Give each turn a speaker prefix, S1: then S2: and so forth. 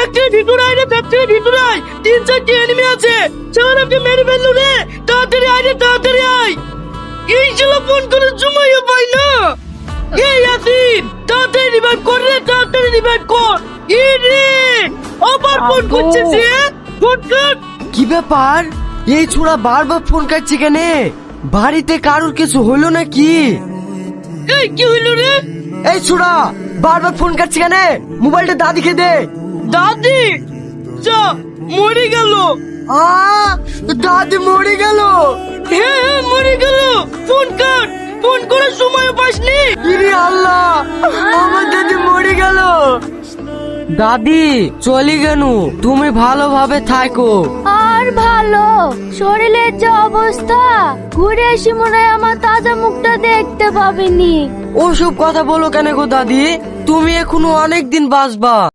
S1: ফ্যাক্টরির ভিতরে আয় রে, ফ্যাক্টরির ভিতরে আয়। 3-4টি এনিমি আছে, শালাকে মেরে ফেললো রে। তাড়াতাড়ি আয় রে, তাড়াতাড়ি আয়। এই শালা ফোন করে জুমাইয়া পাই না। এই ইয়াসিন, তাড়াতাড়ি রিভাইভ কর রে, তাড়াতাড়ি রিভাইভ কর। ই রে, আবার ফোন করছে সে। ফোন কর।
S2: কি ব্যাপার, এই ছোড়া বারবার ফোন কাটছে কেন? বাড়িতে কারোর কিছু হলো নাকি?
S1: এই কি হইলো রে?
S2: এই ছোড়া বারবার ফোন কাটছে কেন? মোবাইলটা দাদিকে দে।
S1: দাদি যা মরে গেল।
S2: দাদি মরে গেল?
S1: হ্যাঁ হ্যাঁ মরে গেল। ফোন কাট, ফোন করার সময় পাসনি।
S2: ইরে আল্লাহ, আমার দাদি মরে গেল। দাদি চলে গেল, তুমি ভালোভাবে থাকো।
S3: আর ভালো, শরীরের যে অবস্থা, ঘুরে এসে মনে হয় আমার তাজা মুখটা দেখতে পাবিনি।
S2: ওসব কথা বলো কেন গো দাদি? তুমি এখনো অনেক দিন বাঁচবা।